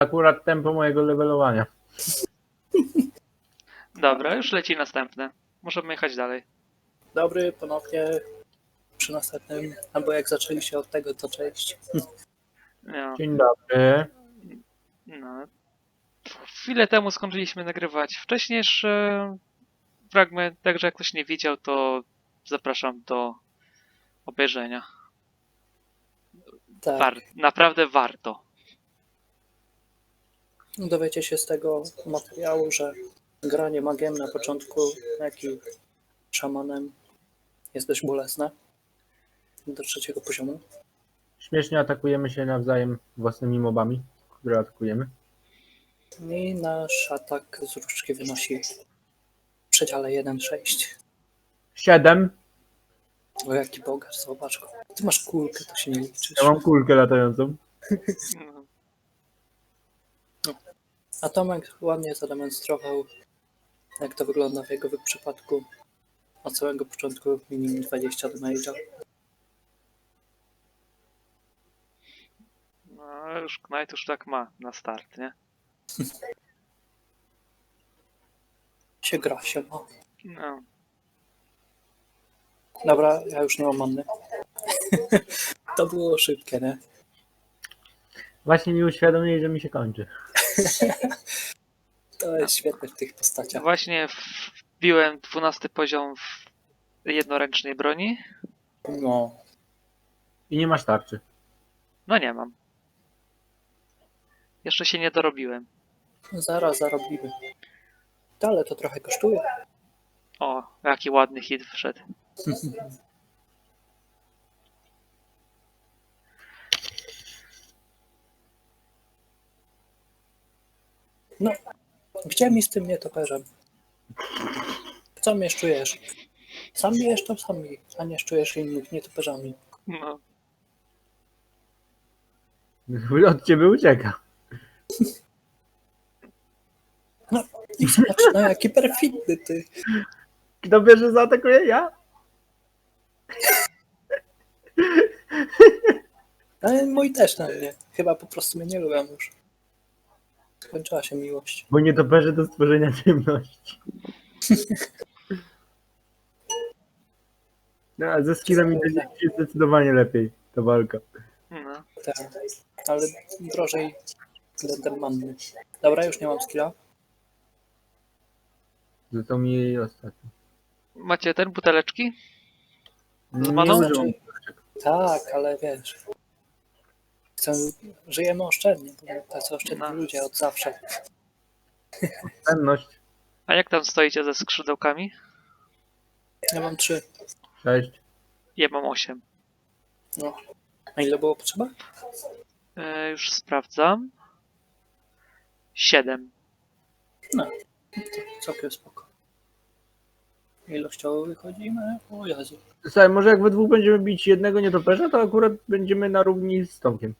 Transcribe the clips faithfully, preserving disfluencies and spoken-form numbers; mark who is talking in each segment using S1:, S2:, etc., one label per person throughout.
S1: akurat tempo mojego levelowania.
S2: Dobra, już leci następne. Możemy jechać dalej.
S3: Dobry, ponownie przy następnym, albo jak zaczęliście od tego, to cześć.
S2: No,
S1: Dzień dobry.
S2: no. Chwilę temu skończyliśmy nagrywać wcześniejszy fragment, także jak ktoś nie widział, to zapraszam do obejrzenia.
S3: Tak,
S2: War naprawdę warto.
S3: dowiecie się z tego materiału, że granie magiem na początku, jak i szamanem jest dość bolesne do trzeciego poziomu.
S1: Śmiesznie atakujemy się nawzajem własnymi mobami, które atakujemy.
S3: I nasz atak z różdżki wynosi w przedziale jeden sześć.
S1: Siedem.
S3: O jaki bogacz, zobacz go. Ty masz kulkę, to się nie liczysz.
S1: Ja mam kulkę latającą.
S2: No,
S3: A Tomek ładnie zademonstrował, jak to wygląda w jego przypadku. Od samego początku minimum dwadzieścia damage'a.
S2: no już Knight już tak ma na start, nie?
S3: Się gra się ma.
S2: No.
S3: Dobra, ja już nie mam manny. To było szybkie, nie?
S1: Właśnie mi uświadomili, że mi się kończy.
S3: To jest świetne w tych postaciach.
S2: Właśnie wbiłem dwunasty poziom w jednoręcznej broni.
S3: No,
S1: I nie masz tarczy.
S2: No nie mam. Jeszcze się nie dorobiłem.
S3: zaraz zarobimy. Ale to trochę kosztuje.
S2: O, jaki ładny hit wszedł.
S3: No, gdzie mi z tym nietoperzem? Co mieszczujesz? Sam bijesz, to sam bij, a nie szczujesz innych nietoperzami.
S2: No.
S1: Od ciebie ucieka.
S3: No, i zobacz, no jaki perfidny ty.
S1: Kto bierze zaatakuje? Ja?
S3: Ale mój też na mnie. Chyba po prostu mnie nie lubią już. Skończyła się miłość.
S1: Bo nie toperze do stworzenia ciemności. No, a ze skillami będzie zdecydowanie lepiej ta walka.
S2: No.
S3: Tak, ale drożej względem manny. Dobra, już nie mam skilla.
S1: Został mi jej ostatni.
S2: Macie ten buteleczki? Z
S1: Nie
S2: maną?
S1: używam.
S3: Tak, ale wiesz. Chcę, żyjemy oszczędnie, bo tacy oszczędni
S2: No.
S3: ludzie od zawsze.
S1: Cenność.
S2: A jak tam stoicie ze skrzydełkami?
S3: Ja mam trzy.
S1: Sześć.
S2: Ja mam osiem.
S3: No. A ile było potrzeba?
S2: E, już sprawdzam. siedem.
S3: No, to całkiem spoko. Ilościowo wychodzimy? O Jezu.
S1: Słuchaj, może jak we dwóch będziemy bić jednego nietoperza, to akurat będziemy na równi z Tomkiem.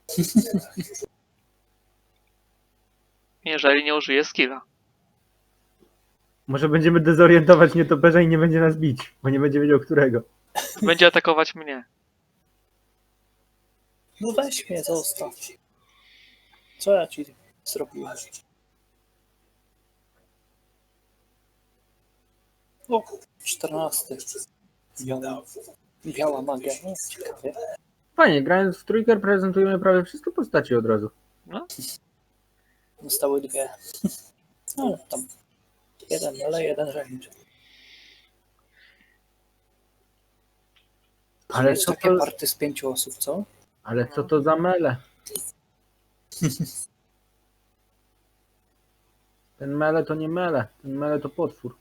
S2: Jeżeli nie użyję skilla.
S1: Może będziemy dezorientować nietoperza i nie będzie nas bić, bo nie będzie wiedział którego.
S2: Będzie atakować mnie.
S3: No weź mnie, zostaw. Co ja ci zrobiłem? O, czternasty. Biała, biała magia. No, ciekawie.
S1: Fajnie, grając w trójkę prezentujemy prawie wszystkie postaci od razu.
S2: No.
S3: Zostały dwie. No, tam jeden, ale jeden range.
S1: Ale
S3: jest
S1: co
S3: takie
S1: to,
S3: party z pięciu osób, co?
S1: ale co to za mele? Ten mele to nie mele, ten mele to potwór.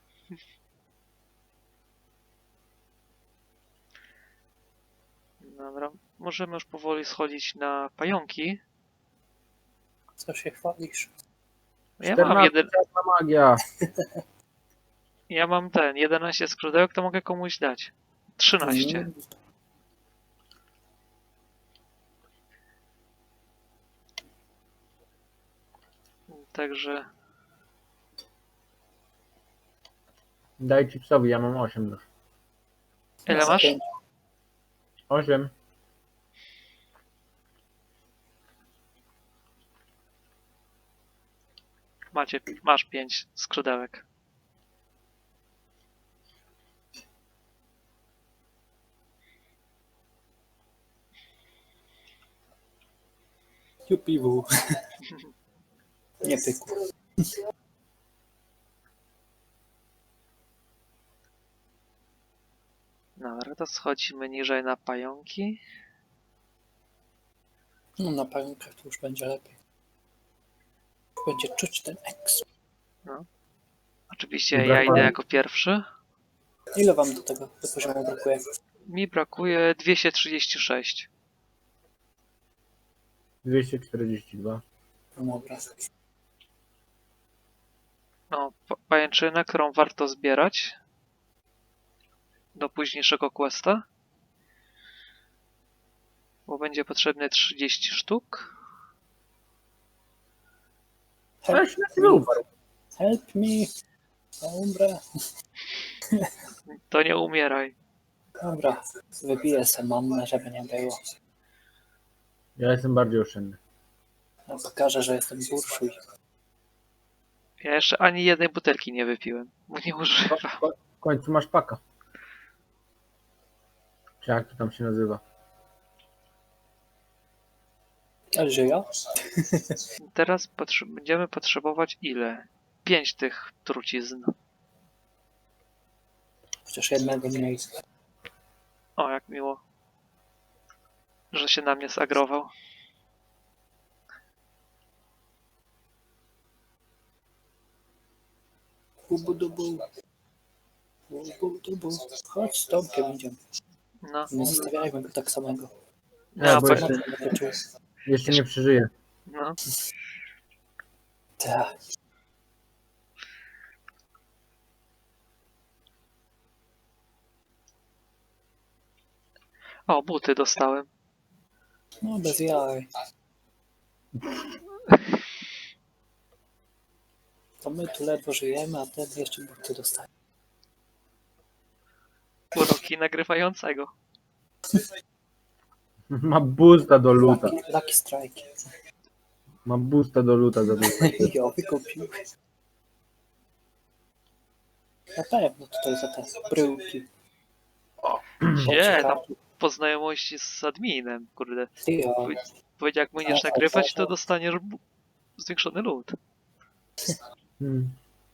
S2: Dobra. Możemy już powoli schodzić na pająki.
S3: Co się chwalisz?
S2: Ja mam,
S1: czternasta
S2: jeden,
S1: magia.
S2: ja mam ten, jedenaście skrzydełek, to mogę komuś dać. trzynaście.
S3: Mm,
S2: Także
S1: Daj ci psowi, ja mam osiem już.
S2: ile
S3: za
S2: masz?
S3: pięć.
S1: osiem.
S2: Macie, masz pięć skrzydełek.
S3: Jupiwu. Nie pykło.
S2: Dobra, to schodzimy niżej na pająki.
S3: No na pająkach to już będzie lepiej. Będzie czuć ten eks.
S2: Oczywiście ja
S1: Brakuje.
S2: idę jako pierwszy.
S3: Ile wam do tego do poziomu brakuje?
S2: Mi brakuje dwieście trzydzieści sześć.
S1: dwieście czterdzieści dwa.
S3: No dobra.
S2: No, pa- pajęczynę, którą warto zbierać do późniejszego questa. Bo będzie potrzebne trzydzieści sztuk.
S1: Ale się na ciebie uparł.
S3: Help me. Ja umrę.
S2: To nie umieraj.
S3: Dobra. Wybiję se mannę, żeby nie było.
S1: Ja jestem bardziej oszczędny.
S3: Ja pokażę, że jestem burszuj.
S2: Ja jeszcze ani jednej butelki nie wypiłem, bo nie używam.
S1: W końcu masz paka. Czy jak to tam się nazywa?
S3: Ale że ja?
S2: Teraz potrze- będziemy potrzebować ile? Pięć tych trucizn.
S3: Chociaż jednego mniej.
S2: O, jak miło, że się na mnie zagrował.
S3: Bubu dubu. Bubu dubu. Chodź z Tomkiem idziemy.
S2: No,
S3: Nie zostawiajmy go tak samego.
S1: Nie,
S2: no,
S1: bo
S2: po-
S1: jeszcze, jeszcze nie przeżyję.
S2: no.
S3: Tak.
S2: O, buty dostałem.
S3: No bez jaj. To my tu ledwo żyjemy, a ten jeszcze buty dostaje.
S2: Uroki nagrywającego.
S1: Ma boosta do luta.
S3: Lucky, lucky strike.
S1: Ma boosta do luta za luta.
S3: Jo, wykupił. Na pewno tutaj za te bryłki.
S2: Nie, tam po znajomości z adminem, kurde.
S3: Jo.
S2: Powiedział, jak będziesz nagrywać, to dostaniesz bu- zwiększony lód.
S1: Hmm.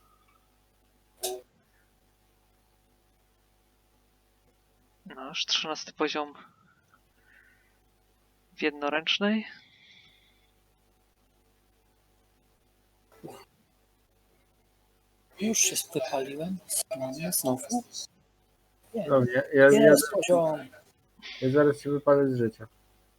S2: No, już trzynasty poziom w jednoręcznej.
S3: Już się wypaliłem. Mamy znowu. Nie.
S1: Dobrze, ja, ja, ja,
S3: Jest poziom.
S1: ja zaraz się wypalę z życia.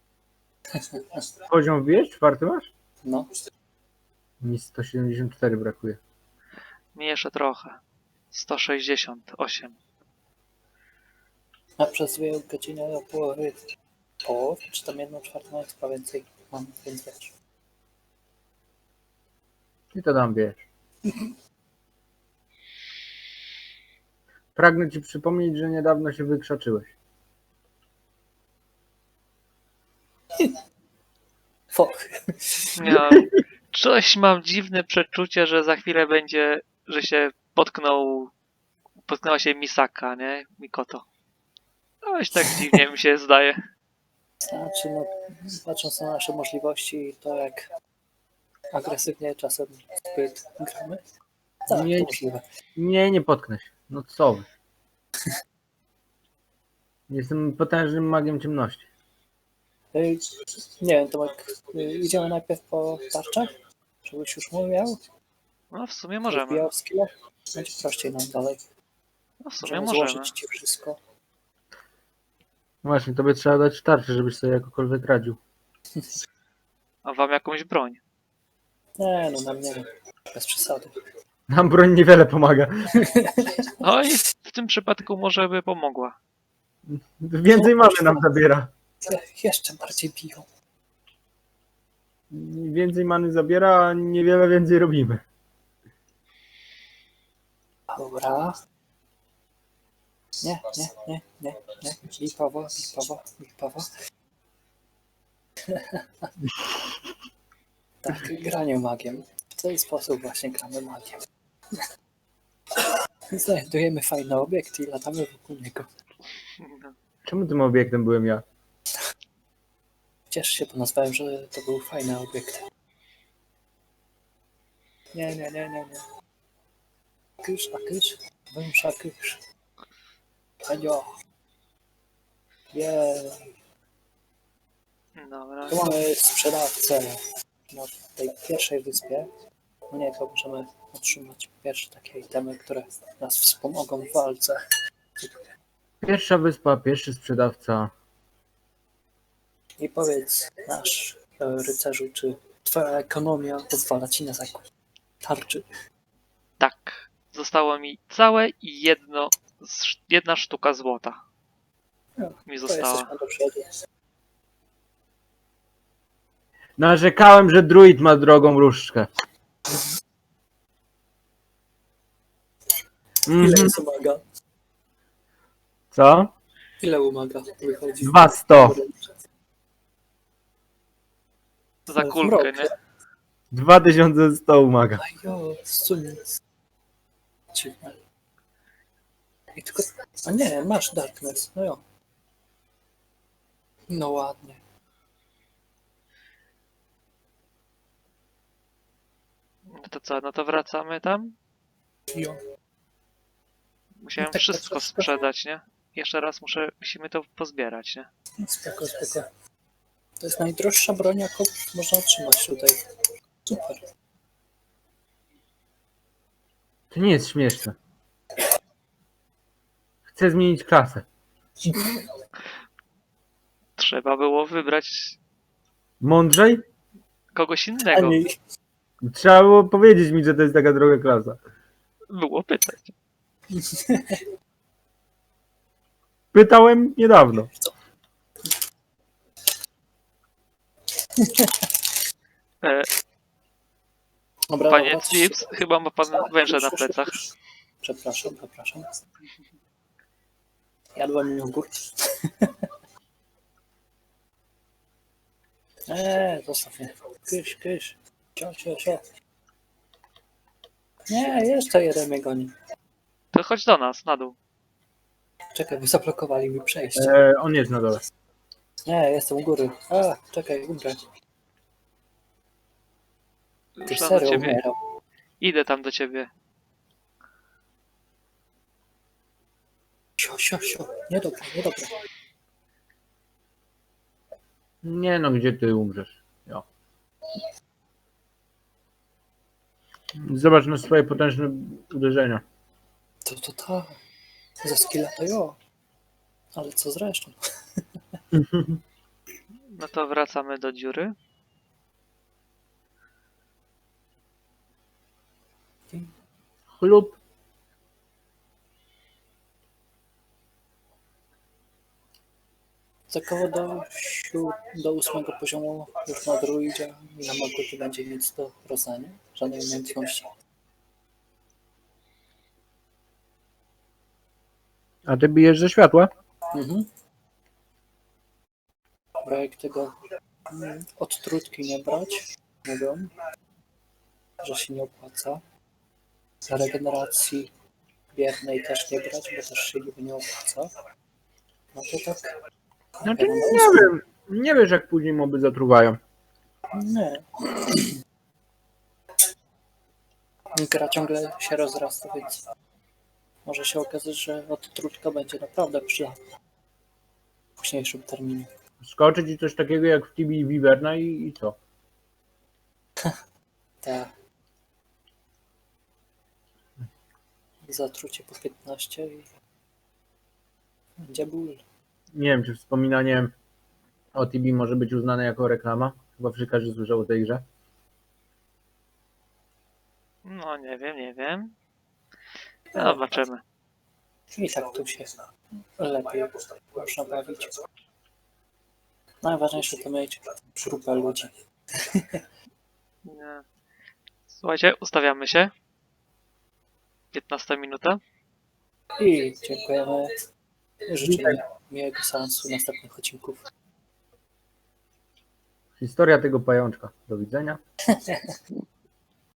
S1: Poziom wbijesz? Czwarty masz?
S3: No.
S1: Mi sto siedemdziesiąt cztery brakuje.
S2: Mi jeszcze trochę. sto sześćdziesiąt osiem.
S3: A przez dwie godziny do połowy. Połowy, czy tam jedną czwartą, chyba więcej mam, więc wiesz.
S1: I to tam wiesz. Pragnę ci przypomnieć, że niedawno się wykrzaczyłeś.
S3: Foch.
S2: Ja, coś mam dziwne przeczucie, że za chwilę będzie, że się potknął, potknęła się Misaka, nie? Mikoto. Coś tak dziwnie mi się zdaje.
S3: Znaczy, no, patrząc na nasze możliwości, to jak agresywnie czasem zbyt gramy, tak,
S1: Nie.
S3: to możliwe.
S1: Nie, nie potknę się. No co wy. Jestem potężnym magiem ciemności.
S3: Ej, nie wiem, Tomek, y, idziemy najpierw po tarczach, żebyś już mu miał,
S2: No w sumie możemy.
S3: wbijał skilla, będzie prościej nam dalej.
S2: No w sumie
S3: Możemy
S2: możemy.
S3: złożyć ci wszystko.
S1: Właśnie, tobie trzeba dać tarczę, żebyś sobie jakokolwiek radził.
S2: A wam jakąś broń.
S3: Nie, no nam nie wiem, bez przesady.
S1: Nam broń niewiele pomaga.
S2: No i w tym przypadku może by pomogła.
S1: Więcej mamy nam zabiera.
S3: Je, jeszcze bardziej biją.
S1: Więcej many zabiera, a niewiele więcej robimy.
S3: Dobra. Nie, nie, nie, nie, nie. Lipowo, lipowo, lipowo. Tak, granie magiem. W ten sposób właśnie gramy magię. Znajdujemy fajny obiekt i latamy wokół niego.
S2: No.
S1: Czemu tym obiektem byłem ja?
S3: Ciesz się, bo nazwałem, że to był fajny obiekt. Nie, nie, nie, nie, nie. Kysz, a kysz, węsza kysz. Anio. Yeah.
S2: Dobra.
S3: Tu mamy sprzedawcę na tej pierwszej wyspie. No nie, to możemy otrzymać pierwsze takie itemy, które nas wspomogą w walce.
S1: Pierwsza wyspa, pierwszy sprzedawca.
S3: I powiedz, nasz e, rycerzu, czy twoja ekonomia pozwala ci na zakup tarczy?
S2: Tak. Zostało mi całe i jedno, sz- jedna sztuka złota.
S3: No,
S2: Mi
S3: To
S2: została.
S3: jesteśmy do przodu.
S1: Narzekałem, że druid ma drogą różdżkę.
S3: Ile
S1: Mhm.
S3: jest umaga?
S1: Co?
S3: Ile umaga wychodzi?
S1: Dwa sto.
S2: Za
S3: W
S2: kulkę,
S3: mrok.
S2: nie?
S1: Dwa tysiące sto umaga.
S3: Ajo, suniec. Dziwne. I tylko... A nie, masz Darkness, no jo. No ładnie.
S2: No to co, no to wracamy tam?
S3: Jo.
S2: Musiałem
S3: No tak,
S2: wszystko
S3: tak, tak.
S2: sprzedać, nie? Jeszcze raz muszę, musimy to pozbierać, nie?
S3: Spoko, spoko. To jest najdroższa broń, jaką można otrzymać tutaj. Super.
S1: To nie jest śmieszne. Chcę zmienić klasę.
S2: Trzeba było wybrać
S1: Mądrzej?
S2: kogoś innego.
S3: Taniej.
S1: Trzeba było powiedzieć mi, że to jest taka droga klasa.
S2: Było pytać.
S1: Pytałem niedawno.
S2: E,
S3: Dobra,
S2: panie
S3: dobra,
S2: Chips, chyba ma pan węża na
S3: Już, już,
S2: plecach.
S3: już. Przepraszam, przepraszam. Jadłem jogurt. Eee, zostaw mnie. Kysz, kysz. Cio, cio, cio. Nie, jeszcze jeden mnie goni.
S2: To chodź do nas, na dół.
S3: Czekaj, bo zablokowali mi przejście.
S1: E, on jest na dole.
S3: Nie, jestem u góry. A, czekaj, umrę. Ty
S2: Już tam do
S3: serio
S2: ciebie.
S3: umieram.
S2: Idę tam do ciebie.
S3: Sio, sio, sio. Niedobre, niedobre.
S1: Nie no, gdzie ty umrzesz? Jo. Zobacz na swoje potężne uderzenia.
S3: To, to ta. Za skilla to jo. Ale co z resztą?
S2: No to wracamy do dziury.
S1: Chlub.
S3: Za koło do, siód, do ósmego poziomu już na druidzie i na magu tu będzie nic do rozdania. Żadnej umiejętności.
S1: A ty bijesz ze światła?
S3: Mhm. Bo jak tego mm, od trutki nie brać, mówią, że się nie opłaca. Za regeneracji biernej też nie brać, bo też się niby nie opłaca. No to tak.
S1: Znaczy
S3: Ja mam na
S1: nie
S3: ósmym.
S1: wiem. Nie wiesz jak później moby zatruwają.
S3: Nie. Gra ciągle się rozrasta, więc może się okazać, że odtrutka będzie naprawdę przydatna w późniejszym terminie.
S1: Skoczy ci coś takiego jak w Tibi i Wiverna i, i co?
S3: Tak. Zatrucie po piętnaście i będzie ból.
S1: Nie wiem, czy wspominanie o Tibi może być uznane jako reklama. Chyba wszyscy każdy słyszał o tej grze.
S2: No nie wiem, nie wiem. No, zobaczymy.
S3: I tak tu się lepiej można bawić. Najważniejsze to mieć grupę ludzi.
S2: Nie. Słuchajcie, ustawiamy się. piętnasta minuta.
S3: I dziękujemy. Życzymy miłego seansu następnych odcinków.
S1: Historia tego pajączka. Do widzenia.